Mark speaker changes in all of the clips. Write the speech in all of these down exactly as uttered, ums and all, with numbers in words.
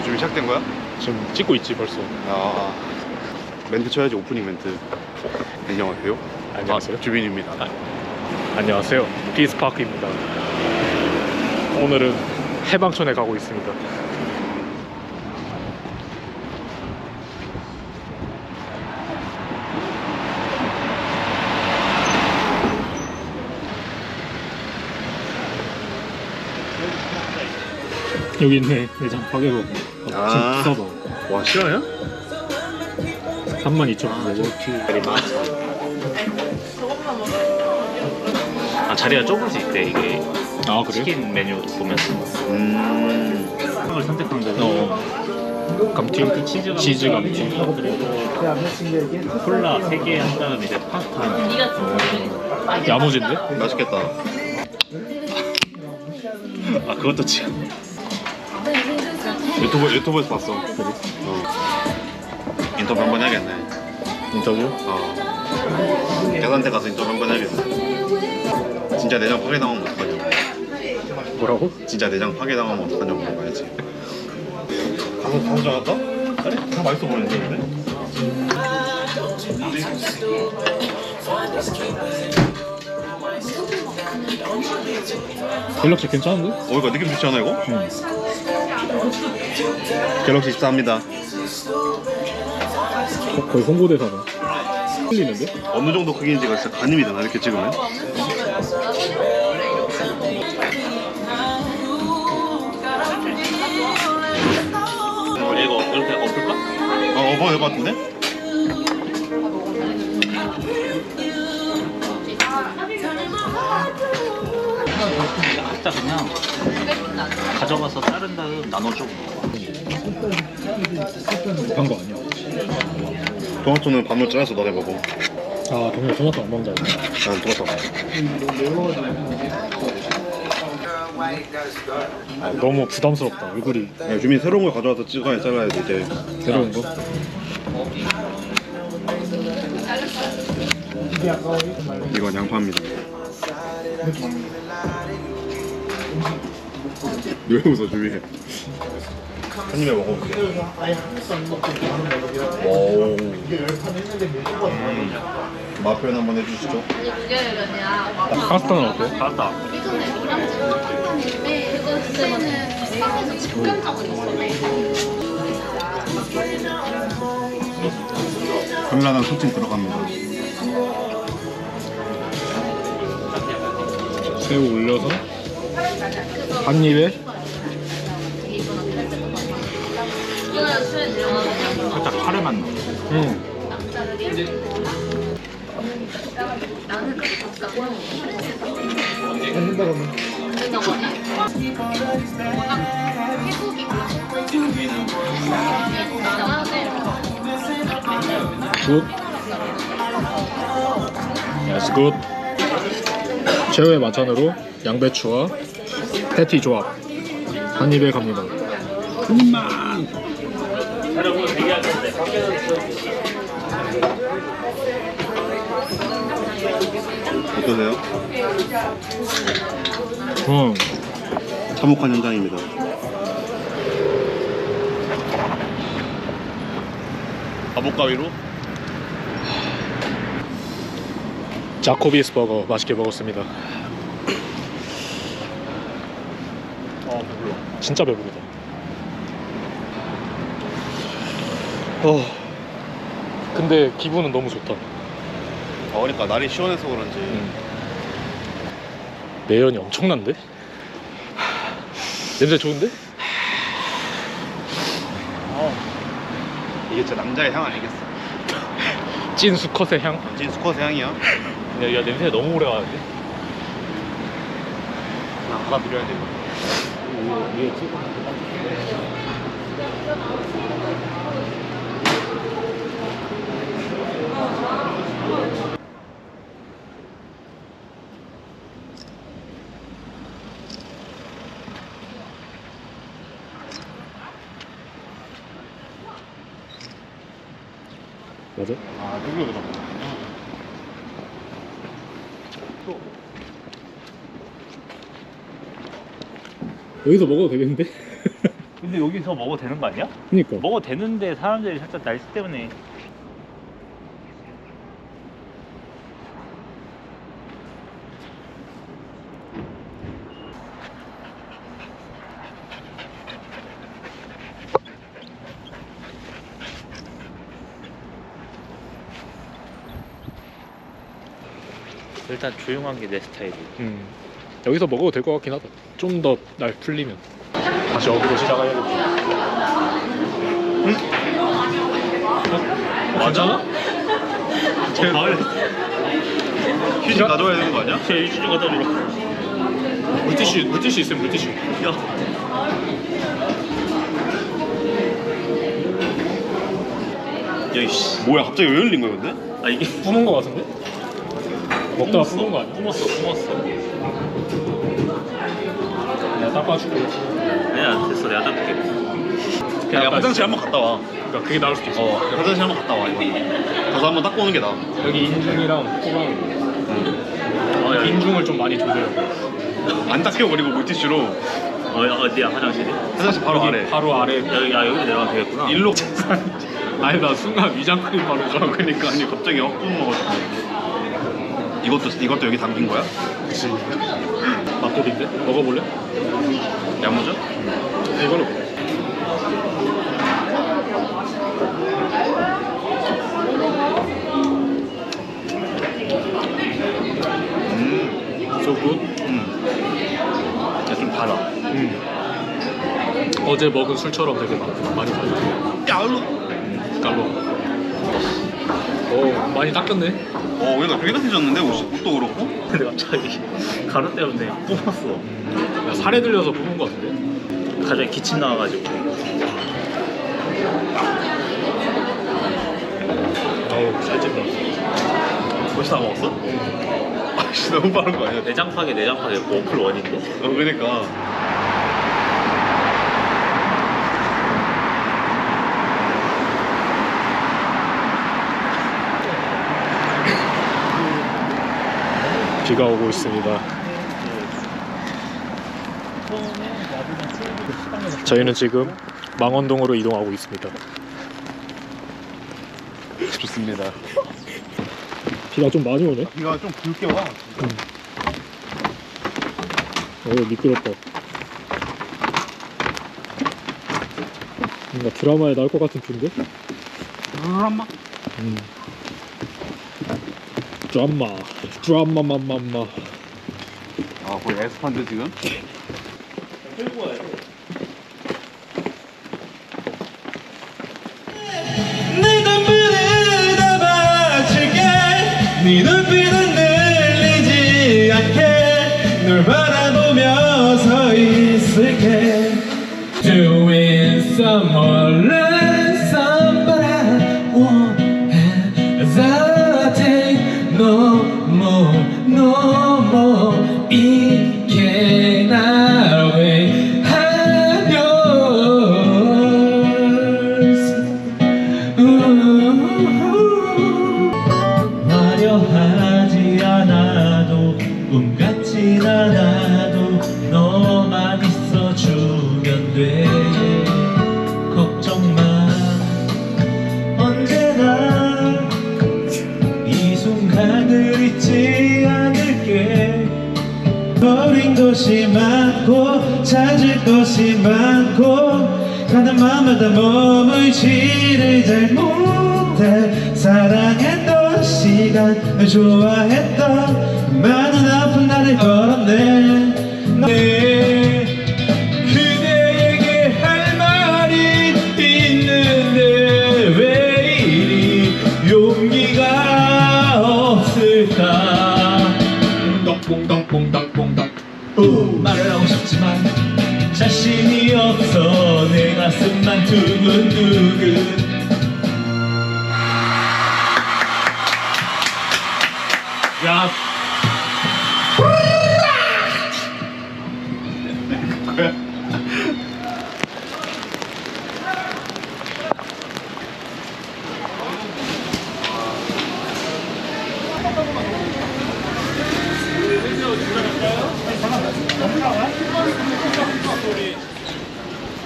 Speaker 1: 준비 시작된 거야?
Speaker 2: 지금 찍고 있지 벌써.
Speaker 1: 아, 멘트 쳐야지. 오프닝 멘트. 안녕하세요.
Speaker 2: 안녕하세요.
Speaker 1: 아, 주빈입니다.
Speaker 2: 아, 안녕하세요. 피스파크입니다. 오늘은 해방촌에 가고 있습니다. 여기 있네. 내장 가격은
Speaker 1: 아.
Speaker 2: 진짜 비싸다.
Speaker 1: 와, 실화야?
Speaker 2: 삼만 이천 원.
Speaker 3: 아, 자리가 좁을 수 있대. 이게
Speaker 2: 아 그래?
Speaker 3: 치킨 메뉴 보면
Speaker 1: 음.
Speaker 3: 을 선택한 거고
Speaker 2: 어. 감튀,
Speaker 3: 치즈 감튀,
Speaker 2: 치즈 감튀.
Speaker 3: 그리고 콜라 세 개 한 다음에 이제 파스타 하나.
Speaker 2: 야무진데?
Speaker 1: 맛있겠다.
Speaker 3: 아, 그것도 지금
Speaker 1: 유튜브, 유튜브에서 봤어. 어. 인터뷰 한번 해야겠네.
Speaker 2: 인터뷰?
Speaker 1: 어. 계산대 가서 인터뷰 한번 해야겠네. 진짜 내장 파괴당하면 어떡하냐고.
Speaker 2: 뭐라고?
Speaker 1: 진짜 내장 파괴당하면 어떡하냐고 물어봐야지. 가서 가서 정할까? 그래? 다 맛있어 보이는데 근데?
Speaker 2: 갤럭시 괜찮은데?
Speaker 1: 어, 이거 느낌 좋지 않아 이거?
Speaker 2: 응.
Speaker 1: 갤럭시 십사입니다.
Speaker 2: 어, 거의 홍보대사네. 틀리는데?
Speaker 1: 어느 정도 크기인지가 진짜 가늠이 되나 이렇게 찍으면?
Speaker 3: 이거 이렇게 엎을까?
Speaker 1: 어, 어버 될것 같은데?
Speaker 3: 각자 그냥 가져가서 자른 다음 나눠줘.
Speaker 2: 한 거 아니야?
Speaker 1: 토마토는 반으로 잘라서 너네 먹어.
Speaker 2: 아 동네 토마토 안 먹는다.
Speaker 1: 난 토마토 먹어.
Speaker 2: 아, 너무 부담스럽다 얼굴이.
Speaker 1: 야, 주민 새로운 걸 가져와서 찍어야 잘라야지 이제.
Speaker 2: 새로운 거?
Speaker 1: 이건 양파입니다. 왜 웃어 주민? 한 입에 먹어볼게. 오. 음. 맛 표현 한번 해주시죠.
Speaker 2: 파스타는 어때?
Speaker 3: 맞다.
Speaker 1: 카메라랑 소팅 들어갑니다.
Speaker 2: 새우 올려서 한 입에
Speaker 3: 살짝 카레 맛 나.
Speaker 2: 응. 굿. 예스 굿. 최후의 만찬으로 양배추와 패티 조합 한 입에 갑니다.
Speaker 1: 한입만. 어떠세요?
Speaker 2: 응.
Speaker 1: 참혹한 현장입니다. 아보가위로
Speaker 2: 자코비스 버거 맛있게 먹었습니다.
Speaker 1: 어 배불러.
Speaker 2: 진짜 배부르다. 어. 근데 기분은 너무 좋다.
Speaker 1: 아, 그러니까 날이 시원해서 그런지.
Speaker 2: 응. 매연이 엄청난데? 냄새 좋은데?
Speaker 1: 어. 이게 진짜 남자의 향 아니겠어?
Speaker 2: 찐 수컷의 향?
Speaker 1: 진 수컷의 향이야.
Speaker 3: 야, 야, 냄새 너무 오래 가는데?
Speaker 1: 그냥 받아들여야 돼 이거.
Speaker 3: 위에 찍어.
Speaker 2: 맞아?
Speaker 1: 아, 뚫려 들어가.
Speaker 2: 여기서 먹어도 되겠는데?
Speaker 3: 근데 근데 여기서 먹어도 되는 거 아니야?
Speaker 2: 그니까.
Speaker 3: 먹어도 되는데 사람들이 살짝 날씨 때문에. 일단 조용한 게 내 스타일이야.
Speaker 2: 음. 여기서 먹어도 될 것 같긴 하다. 좀 더 날 풀리면. 다시 어디로 시작해야겠지. 응?
Speaker 1: 맞아?
Speaker 3: 제 마을
Speaker 1: 휴지 가져와야 되는 거 아니야?
Speaker 3: 제 일주일 좀 갖다 주라.
Speaker 2: 물티슈, 물티슈 있으면 물티슈.
Speaker 3: 야. 야 이씨.
Speaker 1: 뭐야 갑자기 왜 열린 거야 근데?
Speaker 3: 아 이게
Speaker 2: 뿜은 거 같은데? 먹다가 뿜은 거 아니야?
Speaker 3: 뿜었어 뿜었어.
Speaker 2: 내가 닦아줄게.
Speaker 3: 아니야 됐어 내가 닦을게.
Speaker 1: 그냥
Speaker 2: 약간-
Speaker 1: 화장실 한번 갔다 와.
Speaker 2: 그러니까 그게 나을 수도 있어.
Speaker 1: 어 화장실 한번 갔다 와 이거. 가서 한번 닦고 오는 게 나아.
Speaker 2: 여기 인중이랑 코랑
Speaker 3: 어, 야,
Speaker 2: 인중을 좀 많이 조져요.
Speaker 1: 안 닦여 버리고 물티슈로
Speaker 3: 어, 어디야 화장실이?
Speaker 1: 화장실 바로
Speaker 2: 여기
Speaker 1: 아래.
Speaker 2: 바로 아래.
Speaker 3: 여기 아 여기 내려가면 되겠구나.
Speaker 1: 일로.
Speaker 2: 아니 나 순간 위장 크림 바른 줄 알고.
Speaker 1: 그러니까 아니 갑자기 확 뿜어가지고. 이것도 이것도 여기 담긴 거야?
Speaker 2: 그치. 맛돌인데? 먹어볼래?
Speaker 1: 야무져?
Speaker 2: 이걸로 먹어.
Speaker 1: 음,
Speaker 2: So good?
Speaker 1: 음. 야, 좀 달아.
Speaker 2: 음. 어제 먹은 술처럼 되게 많, 많이 달려.
Speaker 1: 야, 일로.
Speaker 2: 깔로. 오 많이 닦였네.
Speaker 1: 어, 얘가 깨끗해졌는데 옷, 옷도 그렇고.
Speaker 3: 근데 갑자기 가루 때문에 뿜었어.
Speaker 2: 야, 살에 들려서 부은 거 같은데?
Speaker 3: 갑자기 기침 나와가지고.
Speaker 2: 어우 살찐다.
Speaker 1: 벌써 다 먹었어? 아씨 너무 빠른 거 아니야?
Speaker 3: 내장 파괴 내장 파괴 워플 원인데.
Speaker 1: 어, 그러니까.
Speaker 2: 비가 오고 있습니다. 저희는 지금 망원동으로 이동하고 있습니다.
Speaker 1: 좋습니다.
Speaker 2: 비가 좀 많이 오네.
Speaker 1: 비가 좀 굵게 와.
Speaker 2: 오 미끄럽다. 뭔가 드라마에 나올 것 같은 뷰인데?
Speaker 1: 드라마?
Speaker 2: 음. 드라마 드라마마마마.
Speaker 1: 아, 거의 에스파인데 지금?
Speaker 3: 끌고 와야 돼.
Speaker 4: 네 눈물을 다 바칠게 네 눈빛은 늘리지 않게 널 바라보며 서 있을게 Doing some more than somebody I want as I take no more, no more It cannot wait I'm yours 화려하지 않아도 꿈 같진 않아도 너만 있어주면 돼 걱정 마 언제나 이 순간을 잊지 않을게 버린 것이 많고 찾을 것이 많고 가는 마음마다 머물지를 잘 못해 사랑했던 시간 좋아했던 많은 아픈 날을 걸었네 네, 그대에게 할 말이 있는데 왜 이리 용기가 없을까 똥똥똥똥똥똥 말을 하고 싶지만 자신이 없어 내 가슴만 두근두근
Speaker 2: 야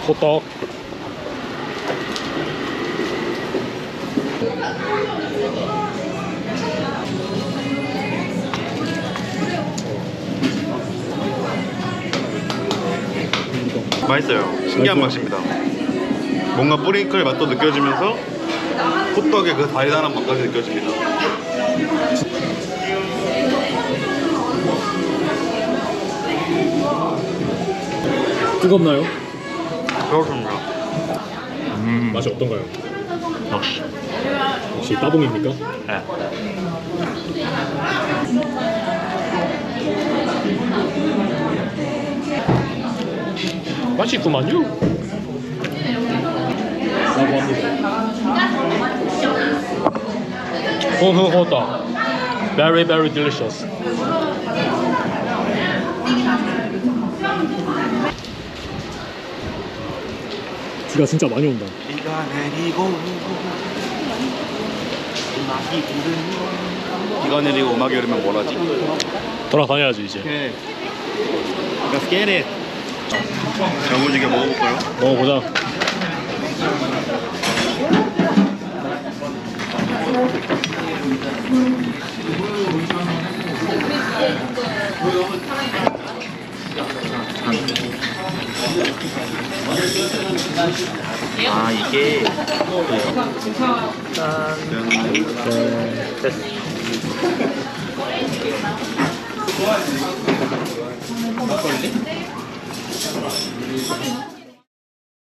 Speaker 2: 호떡.
Speaker 1: 맛있어요. 신기한 맛입니다. 뭔가 뿌링클 맛도 느껴지면서 호떡의 그 달달한 맛까지 느껴집니다.
Speaker 2: 뜨겁나요?
Speaker 1: 그렇습니다.
Speaker 2: 음. 맛이 어떤가요?
Speaker 1: 역시.
Speaker 2: 역시 따봉입니까?
Speaker 1: 네.
Speaker 2: 맛있구만요. 라고 합니다. 어, 그거 그거다. Very, very delicious. 비가 진짜 많이 온다.
Speaker 1: 비가 내리고 음악이 부르면 비가 내리고 음악이 흐르면 뭐라지?
Speaker 2: 돌아다녀야지 이제.
Speaker 1: 오케이. Let's get it. 야무지게 먹어볼까요?
Speaker 2: 먹어보자.
Speaker 3: 아 이게
Speaker 1: 짠.